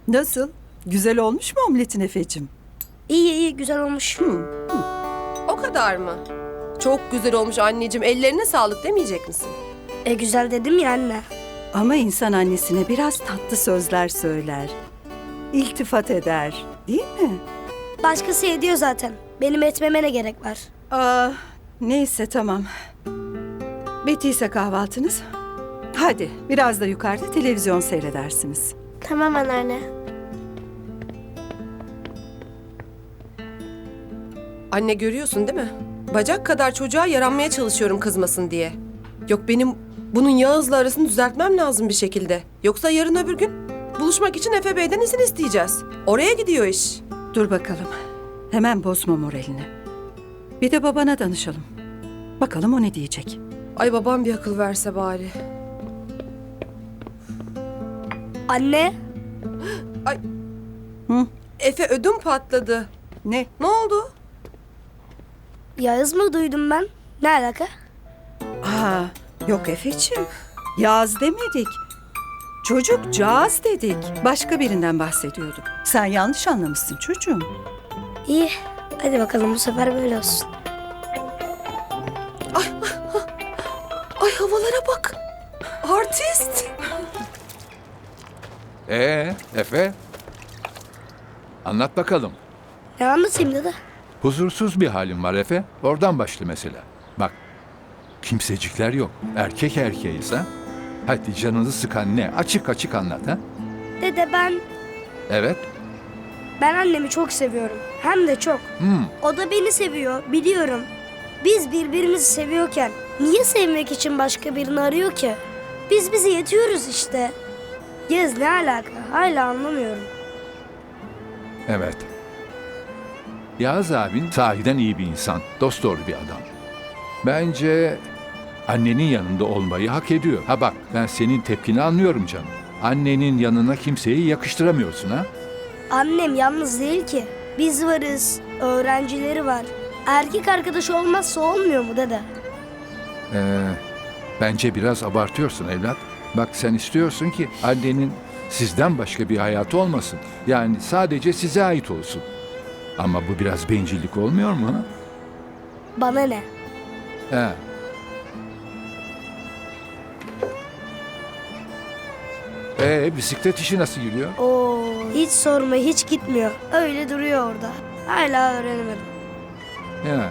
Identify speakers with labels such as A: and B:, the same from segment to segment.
A: Nasıl? Güzel olmuş mu omletin Efe'cim?
B: İyi iyi güzel olmuş.
C: O kadar mı? Çok güzel olmuş anneciğim. Ellerine sağlık demeyecek misin?
B: Güzel dedim ya anne.
A: Ama insan annesine biraz tatlı sözler söyler. İltifat eder, değil mi?
B: Başkası ediyor zaten. Benim etmeme ne gerek var?
A: Neyse tamam. Bittiyse kahvaltınız. Hadi biraz da yukarıda televizyon seyredersiniz.
B: Tamam anneanne.
C: Anne görüyorsun değil mi? Bacak kadar çocuğa yaranmaya çalışıyorum kızmasın diye. Yok benim bunun Yağız'la arasını düzeltmem lazım bir şekilde. Yoksa yarın öbür gün buluşmak için Efe Bey'den izin isteyeceğiz. Oraya gidiyor iş.
A: Dur bakalım. Hemen bozma moralini. Bir de babana danışalım. Bakalım o ne diyecek.
C: Ay babam bir akıl verse bari.
B: Anne.
C: Efe ödüm patladı.
A: Ne?
C: Ne oldu?
B: Yağız mı duydum ben? Ne alaka?
A: Yok Efe'ciğim. Yağız demedik. Çocukcağız dedik. Başka birinden bahsediyorduk. Sen yanlış anlamışsın çocuğum.
B: İyi. Hadi bakalım bu sefer böyle olsun.
C: Ay havalara bak. Artist.
D: Efe? Anlat bakalım.
B: Ne anlatayım dede?
D: Huzursuz bir halin var Efe. Oradan başla mesela. Bak, kimsecikler yok. Erkek erkeğiz ha. Hadi canını sıkan ne? Açık açık anlat ha.
B: Dede
D: Evet.
B: ben annemi çok seviyorum. Hem de çok. O da beni seviyor biliyorum. Biz birbirimizi seviyorken niye sevmek için başka birini arıyor ki? Biz bize yetiyoruz işte. Yaz ne alaka? Hala anlamıyorum.
D: Evet. Yağız abin sahiden iyi bir insan. Dosdoğru bir adam. Bence annenin yanında olmayı hak ediyor. Ha bak, ben senin tepkini anlıyorum canım. Annenin yanına kimseyi yakıştıramıyorsun ha.
B: Annem yalnız değil ki. Biz varız. Öğrencileri var. Erkek arkadaşı olmazsa olmuyor mu dede?
D: Bence biraz abartıyorsun evlat. Bak, sen istiyorsun ki annenin sizden başka bir hayatı olmasın. Yani sadece size ait olsun. Ama bu biraz bencillik olmuyor mu? Ha?
B: Bana ne?
D: He. Bisiklet işi nasıl gidiyor?
B: Oo, hiç sorma hiç gitmiyor. Öyle duruyor orada. Hala öğrenemedim.
D: Ya.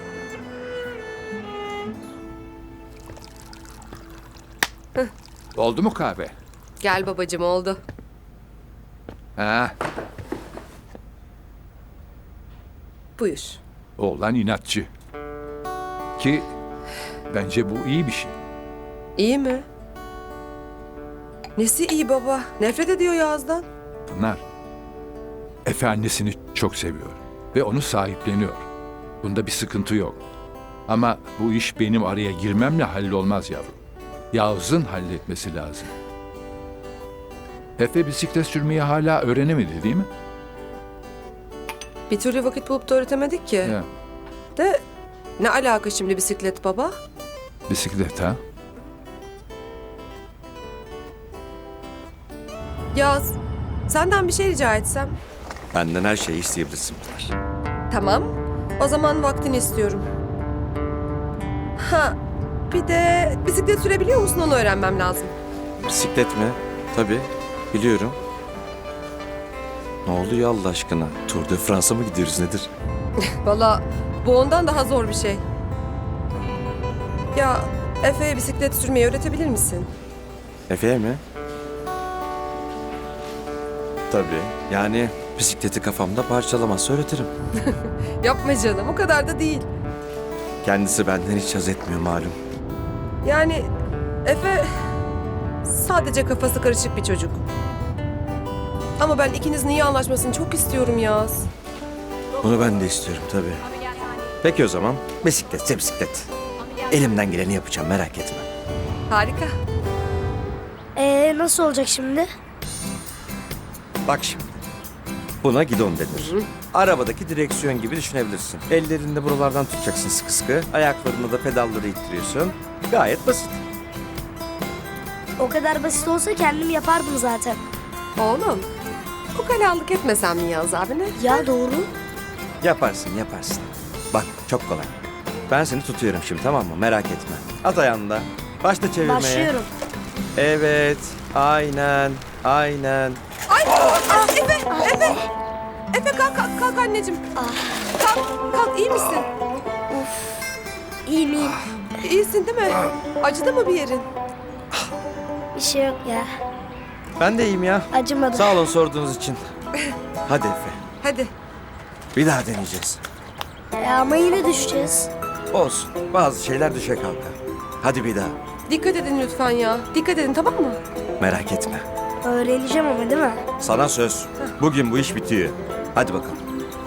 D: Oldu mu kahve?
C: Gel babacığım oldu.
D: Ha,
C: Buyur.
D: oğlan inatçı. Ki bence bu iyi bir şey.
C: İyi mi? Nesi iyi baba? Nefret ediyor Yağız'dan.
D: Pınar, Efe annesini çok seviyor ve onu sahipleniyor. Bunda bir sıkıntı yok. Ama bu iş benim araya girmemle hallolmaz yavrum. Yağız'ın halletmesi lazım. Efe bisiklet sürmeyi hala öğrenemedi değil mi?
C: Bir türlü vakit bulup da öğretemedik ki.
D: Ya,
C: De ne alaka şimdi bisiklet baba?
D: bisiklet ha?
C: Yağız, senden bir şey rica etsem.
E: Benden her şeyi isteyebilirsin Pınar.
C: Tamam. O zaman vaktini istiyorum. Ha, bir de bisiklet sürebiliyor musun onu öğrenmem lazım.
E: Bisiklet mi? Tabii, biliyorum. Ne oluyor Allah aşkına? Tour de France'a mı gidiyoruz nedir?
C: Valla bu ondan daha zor bir şey. Ya Efe'ye bisiklet sürmeyi öğretebilir misin?
E: Efe'ye mi? Tabii. Yani bisikleti kafamda parçalamazsa öğretirim.
C: Yapma canım o kadar da değil.
E: Kendisi benden hiç haz etmiyor malum.
C: Yani Efe sadece kafası karışık bir çocuk. Ama ben ikinizin iyi anlaşmasını çok istiyorum Yağız.
E: Bunu ben de istiyorum tabii. Peki o zaman bisikletse bisiklet. Elimden geleni yapacağım merak etme.
C: Harika.
B: Nasıl olacak şimdi?
E: Bak şimdi. Buna gidon denir. Arabadaki direksiyon gibi düşünebilirsin. Ellerini de buralardan tutacaksın sıkı sıkı. Ayaklarını da pedalları ittiriyorsun. Gayet basit.
B: O kadar basit olsa kendim yapardım zaten.
C: Oğlum Ukalalık etmesem mi Yağız abine?
B: Ya doğru.
E: Yaparsın. Bak çok kolay. Ben seni tutuyorum şimdi, tamam mı? Merak etme. At ayağında. Başla çevirmeye.
B: Başlıyorum.
E: Evet. Aynen.
C: Ay! Efe kalk anneciğim. Kalk iyi misin?
B: İyiyim iyiyim.
C: İyisin değil mi? Acıdı mı bir yerin?
B: Bir şey yok ya.
E: Ben de iyiyim ya.
B: Acımadı.
E: Sağ olun sorduğunuz için. Hadi Efe.
C: Hadi.
E: Bir daha deneyeceğiz.
B: Ama yine düşeceğiz.
E: Olsun. Bazı şeyler düşe kalka. Hadi bir daha.
C: Dikkat edin lütfen ya. Dikkat edin tamam mı?
E: Merak etme.
B: Öğreneceğim ama değil mi?
E: Sana söz. Bugün bu iş bitiyor. Hadi bakalım.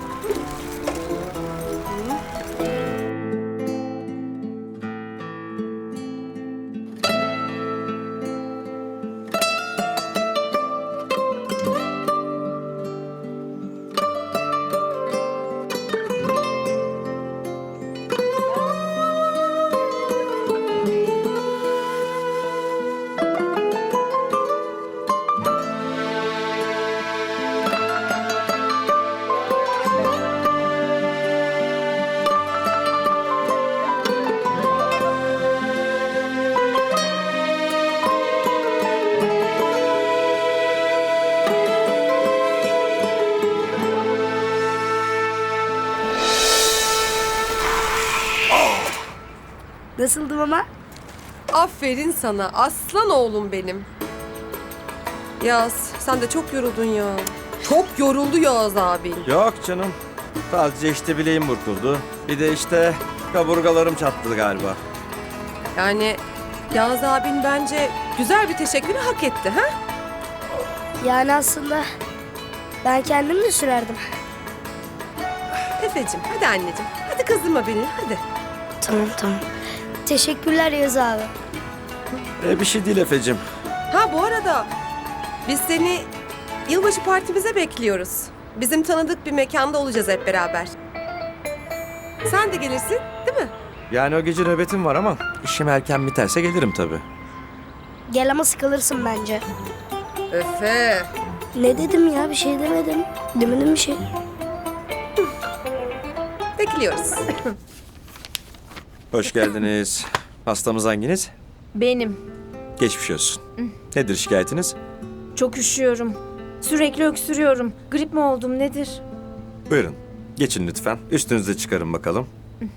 B: Nasıldım ama?
C: Aferin sana aslan oğlum benim. Yağız sen de çok yoruldun ya. Çok yoruldu Yağız abin.
E: Yok canım. Sadece işte bileğim burkuldu. Bir de işte kaburgalarım çatladı galiba.
C: Yani Yağız abin bence güzel bir teşekkürü hak etti ha?
B: Yani aslında ben kendim de sürerdim.
C: Efe'cim hadi anneciğim. Hadi kızdırma beni hadi.
B: Tamam. Teşekkürler Yaz abi.
E: Bir şey değil Efe'cim.
C: Ha bu arada biz seni yılbaşı partimize bekliyoruz. Bizim tanıdık bir mekanda olacağız hep beraber. Sen de gelirsin değil mi?
E: Yani o gece nöbetim var ama işim erken biterse gelirim tabii.
B: Gel ama sıkılırsın bence.
C: Efe.
B: Ne dedim ya, bir şey demedim. Demedim bir şey.
C: Bekliyoruz.
E: Hoş geldiniz. Hastamız hanginiz?
F: Benim.
E: Geçmiş olsun. Nedir şikayetiniz?
F: Çok üşüyorum. Sürekli öksürüyorum. Grip mi oldum nedir?
E: Buyurun. Geçin lütfen. Üstünüzü çıkarın bakalım.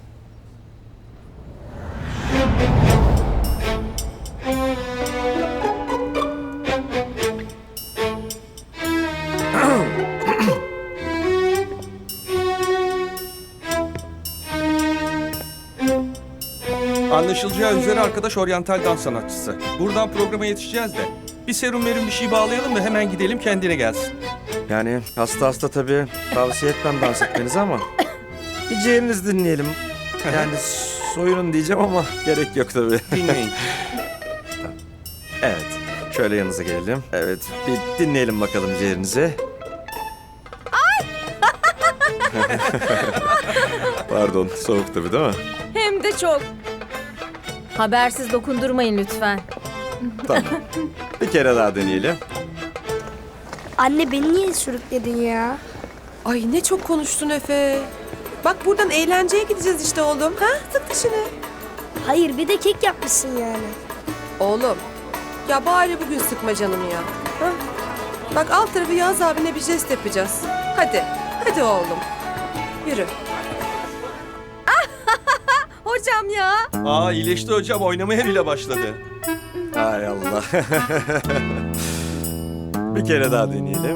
G: Anlaşılacağı üzere arkadaş oryantal dans sanatçısı. Buradan programa yetişeceğiz de. Bir serum verin bir şey bağlayalım da hemen gidelim kendine gelsin.
E: Yani hasta tabii tavsiye etmem dans etmenizi ama bir ciğerinizi dinleyelim. Yani soyunun diyeceğim ama gerek yok tabii.
G: Dinleyin.
E: Evet. Şöyle yanınıza gelelim. Evet. Bir dinleyelim bakalım ciğerinizi. Pardon. Soğuk tabii değil mi?
F: Hem de çok. Habersiz dokundurmayın lütfen.
E: Tamam. Bir kere daha deneyelim.
B: Anne beni niye sürükledin ya?
C: Ay ne çok konuştun Efe. Bak buradan eğlenceye gideceğiz işte oğlum. Ha? Sık dişini.
B: Hayır, bir de kek yapmışsın yani.
C: Oğlum. Ya bari bugün sıkma canımı ya. Ha? Bak alt tarafı Yağız abine bir jest yapacağız. Hadi. Hadi oğlum. Yürü.
F: Hocam ya.
G: Aa iyileşti hocam oynamaya bile başladı.
E: Hay Allah. Bir kere daha deneyelim.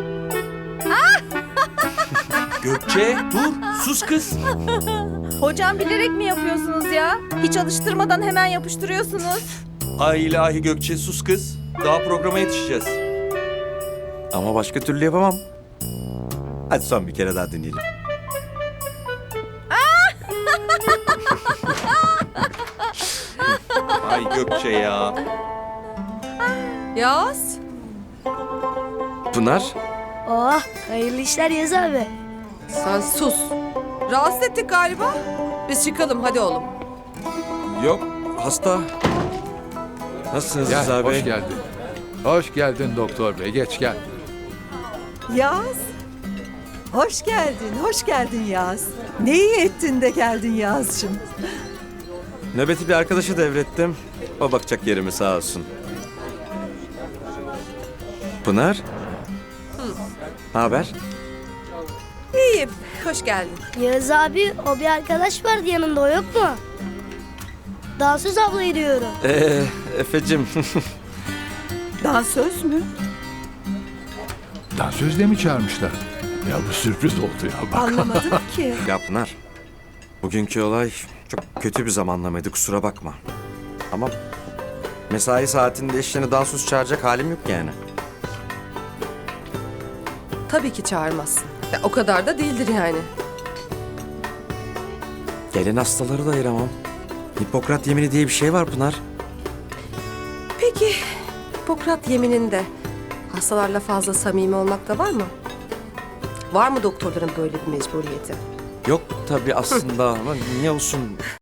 G: Gökçe dur sus kız.
F: Hocam bilerek mi yapıyorsunuz ya? Hiç alıştırmadan hemen yapıştırıyorsunuz.
G: Ay ilahi Gökçe sus kız. Daha programa yetişeceğiz.
E: Ama başka türlü yapamam. Hadi son bir kere daha deneyelim.
G: Ay Gökçe ya.
C: Yağız.
E: Pınar.
B: Oh, hayırlı işler Yaz abi.
C: Sen sus. Rahatsız ettik galiba. Biz çıkalım hadi oğlum.
E: Yok. Hasta. Nasılsınız
D: Gel,
E: Rıza Bey?
D: hoş geldin. Hoş geldin doktor bey, geç gel.
A: Yaz. Hoş geldin Yaz. Ne iyi ettin de geldin Yaz'cığım.
E: Nöbeti bir arkadaşa devrettim. O bakacak yerimi sağ olsun. Pınar? Ne haber?
C: İyiyim. Hoş geldin.
B: Yağız abi o bir arkadaş vardı yanında o yok mu? Dansöz ablayı diyorum.
E: Efe'cim.
A: Dansöz mü?
D: Dansözle mi çağırmışlar? Ya bu sürpriz oldu ya bak.
A: Anlamadım ki.
E: Ya Pınar, bugünkü olay çok kötü bir zamanlamaydı, kusura bakma. Ama mesai saatinde işlerine dansöz çağıracak halim yok yani.
C: Tabii ki çağırmazsın. Ya, o kadar da değildir yani.
E: Gelen hastaları da ayıramam. Hipokrat yemini diye bir şey var Pınar.
C: Peki Hipokrat yemininde hastalarla fazla samimi olmak da var mı? Var mı doktorların böyle bir mecburiyeti?
E: Yok tabii aslında ama niye olsun?